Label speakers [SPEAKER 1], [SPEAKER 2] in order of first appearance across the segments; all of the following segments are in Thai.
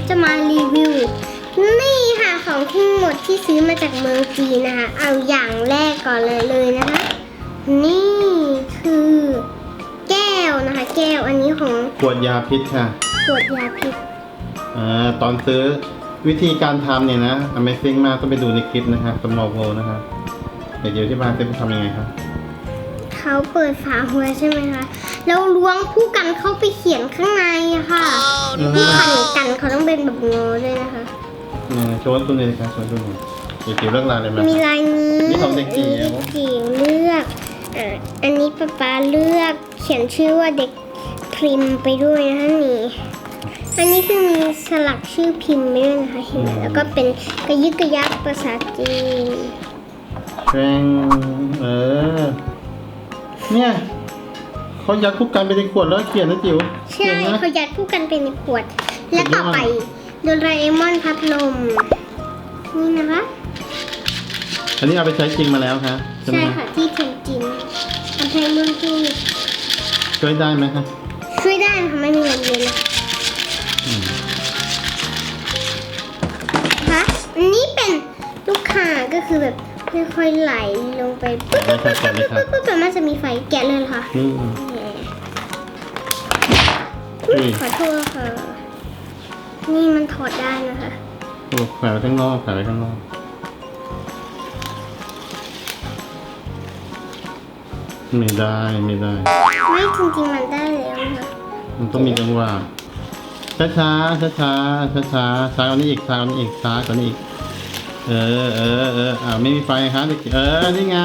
[SPEAKER 1] จะมารีวิวนี่ค่ะของทั้งหมดที่ซื้อมาจากเมืองจีนนะคะเอาอย่างแรกก่อนเลยนะคะนี่คือแก้วนะคะแก้วอันนี้ของ
[SPEAKER 2] ขวดยาพิษค่ะ
[SPEAKER 1] ขวดยาพิษ
[SPEAKER 2] ตอนซื้อวิธีการทำเนี่ยนะ Amazing มากต้องไปดูในคลิปนะครับสมอลโวนะครับเดี๋ยวที่บ้านจะทำยังไงครับ
[SPEAKER 1] เขาเปิดฝาหัวใช่ไหมคะแล้วล้วงผู้กันเข้าไปเขียนข้างในอะค่ะผู้กันเขาต้องเป็นแบบงอด้วยนะคะ
[SPEAKER 2] โชว์ตัวนี้เลยครับโชว์ตัวนี้เดี๋ยวเรื่องราวอะไรมา
[SPEAKER 1] มีลายนี้
[SPEAKER 2] นี่ของเด็กจิ๋ว
[SPEAKER 1] เด็กจิ๋วเลือกอันนี้ป๊าเลือกเขียนชื่อว่าเด็กพิมพ์ไปด้วยนะคะนี่อันนี้คือมีสลักชื่อพิมพ์ไปด้วยนะคะเห็นไหมแล้วก็เป็นกระยึกกระยักภาษาจีน
[SPEAKER 2] แรงเนี่ยเขายัดทุกกันไปในขวดแล้วเขียนนะจิ๋ว
[SPEAKER 1] ใช่เขายัดผู้กันเป็นในขวด และต่อไปโดราเอมอนพัดลมนี่นะคะ
[SPEAKER 2] อันนี้เอาไปใช้จริงมาแล้วครับ
[SPEAKER 1] ใช่ค่ะที่เทนจินอันไทยเมืองจีน
[SPEAKER 2] ช่วยได้ไหมครับ
[SPEAKER 1] ช่วยได้นะคะไม่มีเงินเดือนนะคะอันนี้เป็นลูกค้าก็คือแบบค่อยๆไหลลงไปปุ๊บแต่มันจะมีไฟแกะเลยเหรอค่ะขอโทษค่ะนี่มันถอดได้นะคะ
[SPEAKER 2] โอ้แขวนไว้ข้างนอกแขวนไว้ข้างนอกไม่ได้
[SPEAKER 1] ไม่จริงๆมันได้แล้วนะคะ
[SPEAKER 2] มันต้องมีจังหวะช้าช้ากว่านี้อีกช้ากว่านี้อีกช้ากว่านี้อีกไม่มีไฟครับนี่ไง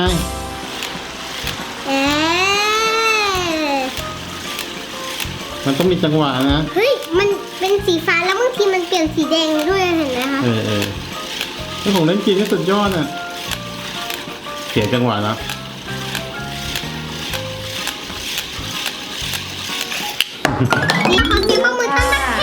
[SPEAKER 2] มันต้องมีจังหวะนะ
[SPEAKER 1] เฮ้ยมันเป็นสีฟ้าแล้วบางทีมันเปลี่ยนสีแดงด้วยเห็นไหมคะ
[SPEAKER 2] นี่ผมเล่นจีนนี่สุดยอดอ่ะเสียจังหวะแล้ว
[SPEAKER 1] นี่ขอเสียงปรบมือต้อนรับ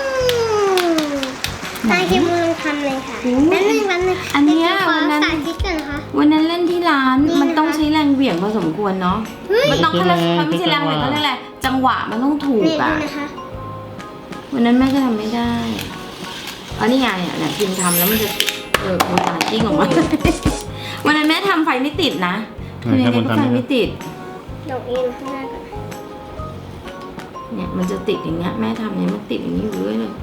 [SPEAKER 1] ตาเคมูลองทำเลยค่ะนั่นนึง
[SPEAKER 3] อันนี้
[SPEAKER 1] วันนั้นสาธิตกันนะคะ
[SPEAKER 3] วันนั้นเล่นที่ร้านมันต้องใช้แรงเหวี่ยงพอสมควรเนาะมันต้องไม่ใช่แรงเหวี่ยงเขาเรียกอะไรจังหวะมันต้องถูกอ่ะวันนั้นแม่ก็ทำไม่ได้นี่ไงเนี่ยพิมทำแล้วมันจะโมตาจิ้งออกมาวันนั้นแม่ทำไฟไม่ติดนะคือยังไงก็ไฟไม่ติด
[SPEAKER 1] ดอกเอ็นข้างหน้าก่อน
[SPEAKER 3] เนี่ยมันจะติดอย่างเงี้ยแม่ทำเนี่ยมันติดอย่างนี้อยู่เรื่อยเลย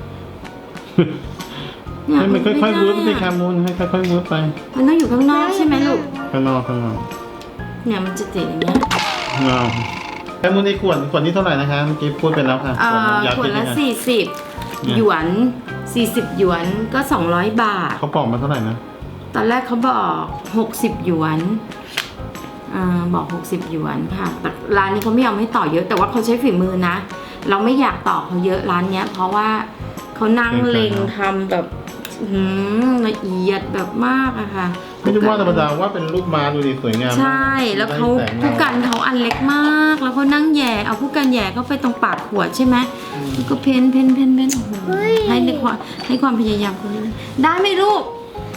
[SPEAKER 2] ให้มันค่อยๆวูบไปค่ะมูนให้ค่อยๆวูบไป
[SPEAKER 3] มันต้องอยู่ข้างนอกใช่ไหมลูก
[SPEAKER 2] ข้างนอก
[SPEAKER 3] เนี่ยมันจะติดอย่างเงี้ย
[SPEAKER 2] แค่มูนในขวดนี้เท่าไหร่นะคะเมื่อกี้พูดไปแล้วค่ะ
[SPEAKER 3] ขวดละ40 หยวน40 หยวนก็200 บาท
[SPEAKER 2] เขาบอกมาเท่าไหร่นะ
[SPEAKER 3] ตอนแรกเขาบอก60 หยวนบอก60 หยวนค่ะแต่ร้านนี้เขาไม่ยอมให้ต่อเยอะแต่ว่าเขาใช้ฝีมือนะเราไม่อยากต่อเขาเยอะร้านเนี้ยเพราะว่าเขานั่งเล็งทำแบบละเอียดแบบมากอะค่ะ
[SPEAKER 2] ไม่รู้ว่าธรรมดาว่าเป็นรูปม้าดูดีสวยงาม
[SPEAKER 3] ใช่แล้วเขาผู้กันเขาอันเล็กมากแล้วเขานั่งแย่เอาผู้กันแย่เข้าไปตรงปากขวดใช่ไหมแล้วก็เพ้นโอ้โหให้ความพยายามคนนี้ได้ไหมลูก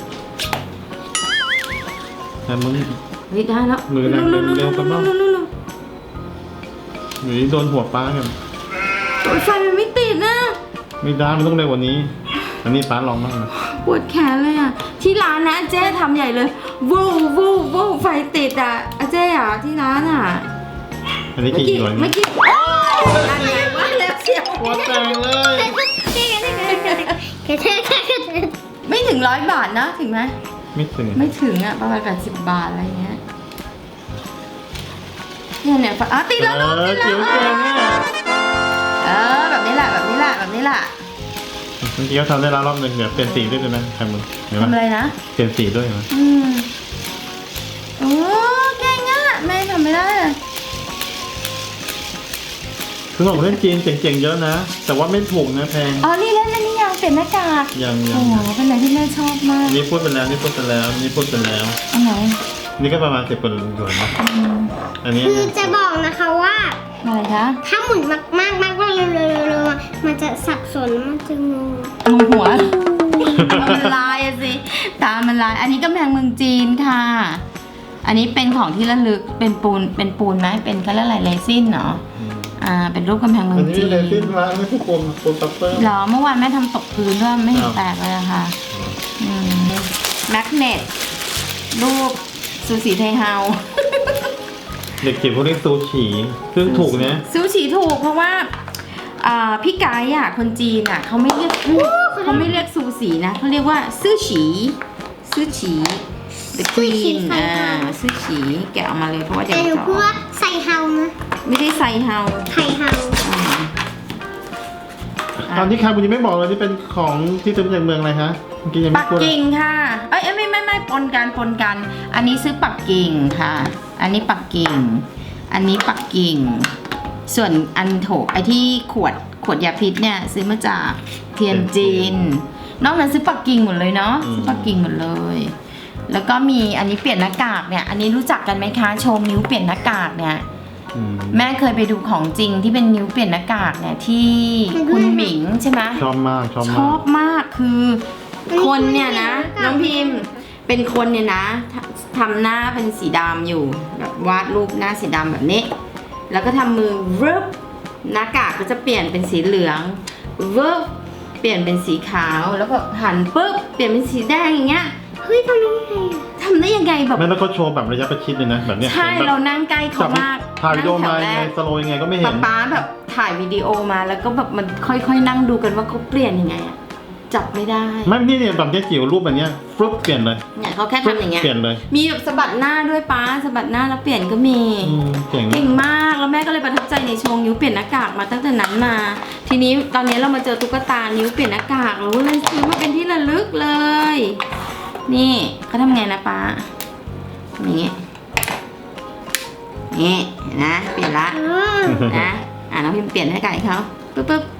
[SPEAKER 2] แต่มึง
[SPEAKER 3] ได้แล้ว
[SPEAKER 2] มือเร็วกันบ้างหรือโดนหัวป้ากัน
[SPEAKER 3] ไฟมันไม่ติดนะ
[SPEAKER 2] ไม่ได้มันต้องเร็วกว่านี้อันนี้ป้าลองบ้างนะ
[SPEAKER 3] ปวดแขนเลยอ่ะที่ร้านนะเจ๊ทำใหญ่เลยวูไฟติดอ่ะเจ๊อ่ะที่ร้านอ่ะ
[SPEAKER 2] อันนี้กี่หน่วย
[SPEAKER 3] ไม่กี่อะไรวะแล้วเสียว
[SPEAKER 2] หัวแตกเลย
[SPEAKER 3] ไม่ถึง100 บาทนะถึงไหม
[SPEAKER 2] ไม่
[SPEAKER 3] ถึงอ่ะประมาณ80 บาทอะไรเงี้ยเนี่ยติดแล้วลูกติดแล้วแบบนี้แหละเ
[SPEAKER 2] มื่อกี้เขาทำได้แล้วรอบนึงเดี๋ยวเปลี่ยนสีด้วยใช่ไหมใครมึง
[SPEAKER 3] ทำอะไรนะ
[SPEAKER 2] เปลี่ยนสีด้วยไหม
[SPEAKER 3] โอ้เก่งอ่ะแม่ทำไม่ได้เลย
[SPEAKER 2] คือของเล่นจีนเจ๋งๆเยอะนะแต่ว่าไม่ถูกนะแพง
[SPEAKER 3] นี่เล่นอันนี้ยังเปลี่ยนหน้ากาก
[SPEAKER 2] ยัง
[SPEAKER 3] โอ้โหเป็นอะไรที่แม่ชอบมาก
[SPEAKER 2] นี่พูดไปแล้วอันไหนนี่ก็ประมาณ10 กว่าหยวนนะอันนี้
[SPEAKER 1] คือจะบอกนะคะว่า
[SPEAKER 3] อะไรคะ
[SPEAKER 1] ถ้าหมุนมากเร็วมันจะสับสนมันจะงง
[SPEAKER 3] หัวมันลายสิตามันลายอันนี้กำแพงเมืองจีนค่ะอันนี้เป็นของที่ระลึกเป็นปูนไหมเป็นเขาเรียกอะไรเรซินเนาะเป็นรูปกำแพงเมื
[SPEAKER 2] อั
[SPEAKER 3] อน ง
[SPEAKER 2] นี้
[SPEAKER 3] จีน
[SPEAKER 2] เลยที่ร้านนี่คือโฟมซัฟเฟอร์
[SPEAKER 3] เหรอเมื่อวานแม่ทำตกพื้นด้วยไม่เห็นแตกเลยอะค่ะแมกเนตรูปซูชิไทเฮา
[SPEAKER 2] เด็กเก็บพวกนี้ซูชิซึ่งถูกนะ
[SPEAKER 3] ซูชิถูกเพราะว่าพี่ไกด์อ่ะคนจีนอ่ะเขาไม่เรียกซูชินะเขาเรียกว่าซูชิThe Queen ซูชิแกะออกมาเลยเพราะว่าจะ
[SPEAKER 1] แต่หนูพูดว่าไซเฮานะ
[SPEAKER 3] ไม่ได้ไซเฮา
[SPEAKER 1] ไทเฮา
[SPEAKER 2] ตอนที่คาบุญยังไม่บอกเลยที่เป็นของที่ซื้อมาจากเมืองอะไรคะเมื่อกี้ยัง
[SPEAKER 3] ปั
[SPEAKER 2] ไม่
[SPEAKER 3] ก
[SPEAKER 2] พูด
[SPEAKER 3] กิ่งค่ะไม่ปนกัน อันนี้ซื้อปักกิ่งค่ะ อันนี้ปักกิ่ง อันนี้ปักกิ่ง ส่วนอันโถไอที่ขวดยาพิษเนี่ยซื้อมาจากเทียนจีนนอกนั้นซื้อปักกิ่งหมดเลยเนาะซื้อปักกิ่งหมดเลย แล้วก็มีอันนี้เปลี่ยนหน้ากากเนี่ยอันนี้รู้จักกันไหมคะโชว์นิ้วเปลี่ยนหน้ากากเนี่ยแม่เคยไปดูของจริงที่เป็นนิ้วเปลี่ยนหน้ากากเนี่ยที่คุณหมิงใช่ไหม
[SPEAKER 2] ชอบมาก
[SPEAKER 3] ชอบมากคือคนเนี่ยนะน้องพิมพ์เป็นคนเนี่ยนะทำหน้าเป็นสีดำอยู่แบบวาดรูปหน้าสีดำแบบนี้แล้วก็ทำมือรึบหน้ากากก็จะเปลี่ยนเป็นสีเหลืองรึบเปลี่ยนเป็นสีขาวแล้วก็หันปุ๊บเปลี่ยนเป็นสีแดงอย่างเงี้ย
[SPEAKER 1] เฮ้ยทำได้ยังไง
[SPEAKER 3] ทำได้ยังไงแบบ
[SPEAKER 2] แม่แล้วก็โชว์แบบระยะประชิดเลยนะแบบเนี้ย
[SPEAKER 3] ใช่เรานั่งใกล้เขามาก
[SPEAKER 2] ถ่ายวิดีโอมา
[SPEAKER 3] นั่งแถวแร
[SPEAKER 2] ไง
[SPEAKER 3] ก
[SPEAKER 2] สโลว์ยังไงก็ไม่เห็น
[SPEAKER 3] ป๊าแบบถ่ายวิดีโอมาแล้วก็แบบมันค่อยๆนั่งดูกันว่าเขาเปลี่ยนยังไงอะจับไม่ได้
[SPEAKER 2] ไม่นี่เนี่ยแบบเนี้ยจิ๋วรูปแบบเนี้ยฟลุ๊ปเปลี่ยนเลย
[SPEAKER 3] เนี่ยเขาแค่ทำอย่างเงี้ย
[SPEAKER 2] เปลี่ยนเลย
[SPEAKER 3] มีแบบสะบัดหน้าด้วยป้าสะบัดหน้าแล้วเปลี่ยนก็มี
[SPEAKER 2] เก่ง
[SPEAKER 3] เก่งมากแล้วแม่ก็เลยประทับใจในโชว์นิ้วเปลี่ยนหน้ากากมาตั้งแต่นั้นมา ทีนี้ตอนนี้เรามาเจอตุ๊กตานิ้วเปลี่ยนหน้ากากเราก็เลยซื้อมาเป็นที่ระลึกเลย นี่เขาทำไงนะป้าอย่างงี้นี่เห็นนะเปลี่ยนละนะน้องพิมพ์เปลี่ยนให้ไก่เขาปึ๊บ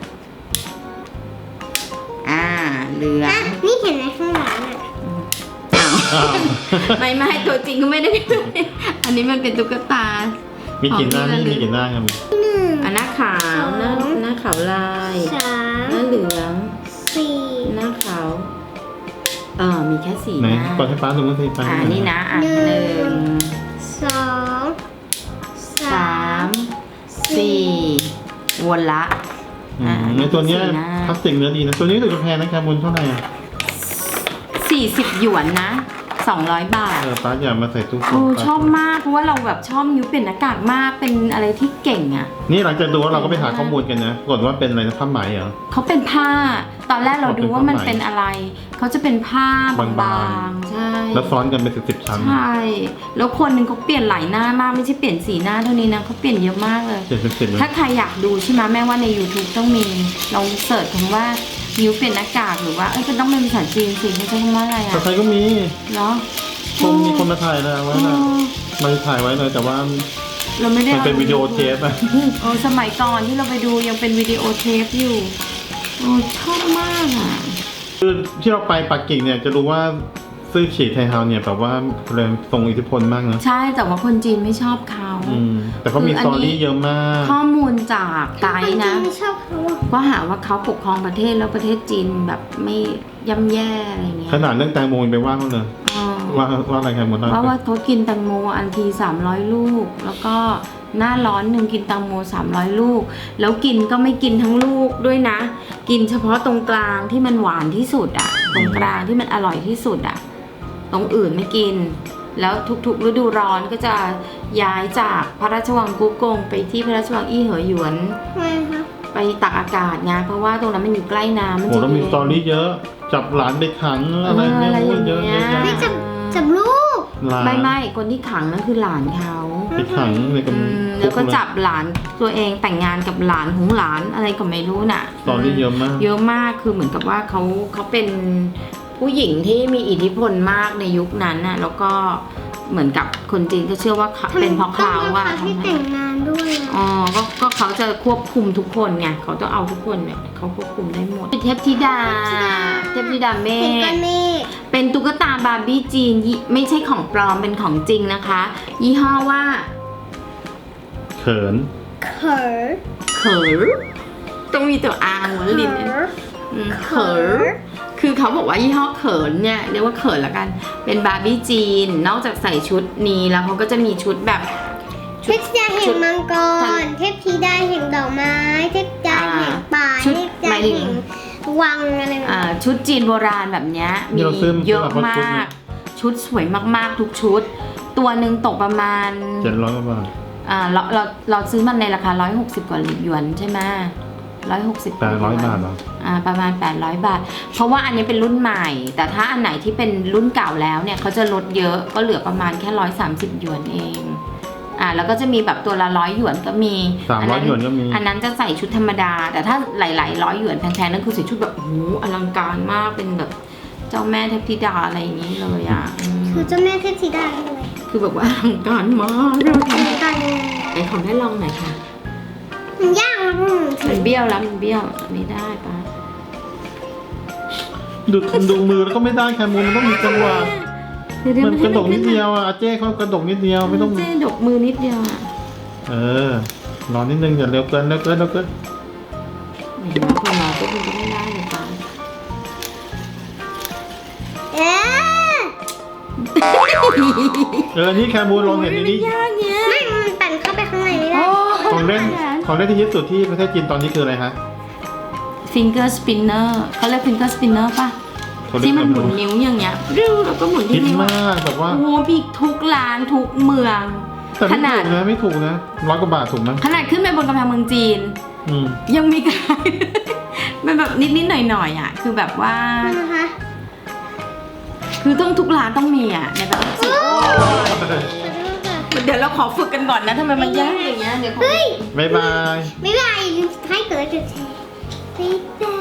[SPEAKER 3] เหลือง
[SPEAKER 1] นี่เห็นไหมข้างหลังอ่ะ
[SPEAKER 2] อ้าว
[SPEAKER 3] ไม่ตัวจริงก็ไม่ได้อันนี้มันเป็นตุ๊กตา
[SPEAKER 2] มีกี่หน้านี่มีกี่หน้าครับ
[SPEAKER 3] อันหน้าขาวหน้าขาวลาย
[SPEAKER 1] สาม
[SPEAKER 3] หน้าเหลือง
[SPEAKER 1] สี่
[SPEAKER 3] หน้าขาวมีแค่สี่
[SPEAKER 2] ไหน
[SPEAKER 3] หน้า
[SPEAKER 2] ก่อนให้ป้าดูมือถือป้า
[SPEAKER 3] นี่นะ
[SPEAKER 1] หนึ่
[SPEAKER 3] หนึ่
[SPEAKER 1] ง
[SPEAKER 3] ง
[SPEAKER 1] สองสา
[SPEAKER 3] สาม มสี่วนละ
[SPEAKER 2] ในตัวเนี้ย
[SPEAKER 3] สี่หน้า
[SPEAKER 2] พลาสติกเนื้อดีนะตัวนี้ถือแพงนะครับมูลเท่าไหร่อ่ะ
[SPEAKER 3] 40 หยวนนะ200 บาท
[SPEAKER 2] ป้าอย่ามาใส่ตู้
[SPEAKER 3] ชอบมากเพราะว่าเราแบบชอบนิ้วเปลี่ยนหน้ากากมากเป็นอะไรที่เก่งอ่ะ
[SPEAKER 2] นี่หลังจากดูเราก็ไปหาข้อมูลกันนะกดว่าเป็นอะไรนะผ้าไหมเหรอ
[SPEAKER 3] เขาเป็นผ้า ตอนแรกเราดูว่ามันเป็นอะไร เขาจะเป็นผ้าบา
[SPEAKER 2] บางๆ
[SPEAKER 3] งๆ ใช่
[SPEAKER 2] แล้วซ้อนกันเป็น10 ชั้น
[SPEAKER 3] ใช่ แล้วคนหนึ่งเขาเปลี่ยนหลายหน้ามากไม่ใช่เปลี่ยนสีหน้าเท่านี้นะเขาเปลี่ยนเยอะมากเลย
[SPEAKER 2] 70เลย
[SPEAKER 3] ถ้าใครอยากดูใช่ไหมแม่ว่าใน YouTube ต้องมีลองเสิร์ชคำว่านิ้วเปลี่ยนหน้ากากหรือว่าก็ต้องเป็นภาษาจีนสิเขาใช้คำว่าอะไร
[SPEAKER 2] แต่
[SPEAKER 3] อ่ะ
[SPEAKER 2] ใครก็มี
[SPEAKER 3] เนาะ
[SPEAKER 2] มีคนมาถ่ายแล้วไว้นะมาถ่ายไว้เลยแต่ว่า
[SPEAKER 3] เราไม่ได้
[SPEAKER 2] มันเป็นวิดีโอเทปอะ
[SPEAKER 3] สมัยก่อนที่เราไปดูยังเป็นวิดีโอเทปอยู่ชอบมากอ่ะ
[SPEAKER 2] คือที่เราไปปักกิ่งเนี่ยจะรู้ว่าซื่อฉีไทเฮาเนี่ยแบบว่าแรงทรงอิทธิพลมากนะ
[SPEAKER 3] ใช่แต่ว่าคนจีนไม่ชอบเขา
[SPEAKER 2] แต่เขามีสตอรี่เยอะมาก
[SPEAKER 3] ข้อมูลจากไกด์นะ
[SPEAKER 1] ไม่ชอบเขาอะ
[SPEAKER 3] ก็หาว่าเขาปกครองประเทศแล้วประเทศจีนแบบไม่ย่ำแย่อะไรเงี้ย
[SPEAKER 2] ขนาดเรื่องแตงโมยังไปว่าเขาเลย
[SPEAKER 3] อ๋อ
[SPEAKER 2] ว่าอะไรครับหมดแล้ว
[SPEAKER 3] ว่าเขากินแตงโมอันที300 ลูก แล้วก็หน้าร้อนหนึ่งกินแตงโม300 ลูก แล้วกินก็ไม่กินทั้งลูกด้วยนะ กินเฉพาะตรงกลางที่มันหวานที่สุดอะตรงกลางที่มันอร่อยที่สุดอะตรงอื่นไม่กิน แล้วทุกๆฤดูร้อนก็จะย้ายจากพระราชวังกุ๊กกงไปที่พระราชวังอี้เหอหยวน
[SPEAKER 1] ทำไมคะ
[SPEAKER 3] ไปตักอากาศไงเพราะว่าตรงนั้นมันอยู่ใกล้น้ำมัน
[SPEAKER 2] โห
[SPEAKER 3] จะ
[SPEAKER 2] แล้วมีสตอรี่เยอะ จับหลานไปขังอะไรเนี่ย
[SPEAKER 3] อะไร
[SPEAKER 2] โอ้
[SPEAKER 3] อย ย่าง
[SPEAKER 2] เยอะ
[SPEAKER 3] เงี้
[SPEAKER 2] เย
[SPEAKER 3] ย
[SPEAKER 2] อะ
[SPEAKER 1] ไม่จับลูก
[SPEAKER 2] หลาน
[SPEAKER 3] ไม่คนที่ขังนั่นคือหลานเขา
[SPEAKER 2] ไปขังในกับ
[SPEAKER 3] แล้วก็จับหลานตัวเองแต่งงานกับหลานของหลานอะไรก็ไม่รู้น่ะ
[SPEAKER 2] สตอรี่เยอะมาก
[SPEAKER 3] เยอะมากคือเหมือนกับว่าเขาเป็นผู้หญิงที่มีอิทธิพลมากในยุคนั้นน่ะแล้วก็เหมือนกับคนจีนก็เชื่อว่าเป็นเพราะเขา
[SPEAKER 1] ว่า
[SPEAKER 3] อะ
[SPEAKER 1] ที่แต่งงานด้วยอะ
[SPEAKER 3] อ๋อก็เขาจะควบคุมทุกคนไงเขาต้องเอาทุกคนเนี่ยเขาควบคุมได้หมดเทพธิดาเม
[SPEAKER 1] เห็นก้อ
[SPEAKER 3] ฆ
[SPEAKER 1] นเมฆ
[SPEAKER 3] เป็นตุ๊กตาบาร์บี้จีนไม่ใช่ของปลอมเป็นของจริงนะคะ ยี่ห้อว่า
[SPEAKER 2] เขิน
[SPEAKER 1] เขิน
[SPEAKER 3] เขิร์ต้องมีตัว R หัวลิ้นเขิร์คือเขาบอกว่ายี่ห้อเขินเนี่ยเรียกว่าเขินละกันเป็นบาร์บี้จีนนอกจากใส่ชุดนี้แล้วเขาก็จะมีชุดแบบ
[SPEAKER 1] เทพธิดาแห่งมังกร เทพธิดาแห่งดอกไม้ เทพธิดาแห่งป่า
[SPEAKER 3] ชุด
[SPEAKER 1] เทพธิดาแห่งวังอะไรแบบนี้
[SPEAKER 3] ชุดจีนโบราณแบบเนี้ยมีเยอะมาก ชุดสวยมากๆทุกชุด ตัวหนึ่งตกประมาณ
[SPEAKER 2] 700 กว่าบาท
[SPEAKER 3] เราซื้อมันในราคา160 กว่าหยวนใช่ไหม160
[SPEAKER 2] 800 บาทเหรอ
[SPEAKER 3] ประมาณ800 บาท เพราะว่าอันนี้เป็นรุ่นใหม่ แต่ถ้าอันไหนที่เป็นรุ่นเก่าแล้วเนี่ยเขาจะลดเยอะก็เหลือประมาณแค่130 หยวนเองแล้วก็จะมีแบบตัวละ100 หยวนก็มี
[SPEAKER 2] 300 หยวนก็มี
[SPEAKER 3] อันนั้นจะใส่ชุดธรรมดา แต่ถ้าหลายๆ100 หยวนแพงๆนั่นคือใส่ชุดแบบโอ้โหอลังการมากเป็นแบบเจ้าแม่เทพธิดาอะไรอย่างนี้เลยอ่ะ
[SPEAKER 1] คือเจ้าแม่เทพธิดาเลย
[SPEAKER 3] คือแบบว่าอลังการมาก
[SPEAKER 1] ทำกัน
[SPEAKER 3] ไหนของได้ลองหน่อยค่ะ
[SPEAKER 1] มันยากมาก
[SPEAKER 3] มันเบี้ยวแล้วมันเบี้ยวไม่ได้ปะ
[SPEAKER 2] ดูมือแล้วก็ไม่ได้แคมูนมันต้องมีจังหวะ มันกระดกนิดเดียวอ่ะอาเจ้เขากระดกนิดเดียวไม่ต้อง
[SPEAKER 3] เจ๊ดกมือนิดเดียวอ่ะ
[SPEAKER 2] รอนิดนึงอย่าเร็วเกินเร็วเกิน
[SPEAKER 3] เห็นไหมคนเราก็ดูไม่ได้เลยปะ
[SPEAKER 2] นี่แคมูนลองเห็นนี่
[SPEAKER 3] ยากเนี้ย
[SPEAKER 1] ไม่มันปั่นเข้าไปข้างในไม่ได้
[SPEAKER 2] ของเล่นที่ฮิตสุดที่ประเทศจีนตอนนี้คืออะไรฮะ
[SPEAKER 3] ฟิงเกอร์สปินเนอร์เขาเรียกฟิงเกอร์สปินเนอร์ป่ะที่มันหมุนนิ้วอย่างเงี้ยริ้วแล้วก็หมุน
[SPEAKER 2] ฮิ
[SPEAKER 3] ที่
[SPEAKER 2] ต
[SPEAKER 3] นิ้ว
[SPEAKER 2] มากแบบว่า
[SPEAKER 3] โอ้โหมีทุกร้านทุกเมือง
[SPEAKER 2] แต่
[SPEAKER 3] ขนาด
[SPEAKER 2] ไม่ถูกนะ100 กว่าบาทถูกมั้ย
[SPEAKER 3] ขนาดขึ้นไปบนกำแพงเมืองจีน ยังมีขาย มันแบบนิดๆหน่อยๆอ่ะคือแบบว่า
[SPEAKER 1] นะคะ
[SPEAKER 3] คือต้องทุกร้านต้องมีอ่ะในแบบสิเดี๋ยวเราขอฝึกกันก่อนนะทำไมมันยากอย่างเงี้ยเดี๋ยวขอ
[SPEAKER 1] เฮ้ย
[SPEAKER 2] บ๊ายบาย
[SPEAKER 1] ไม่เป็นไรให้เกิดจุดแชร์บ๊ายบาย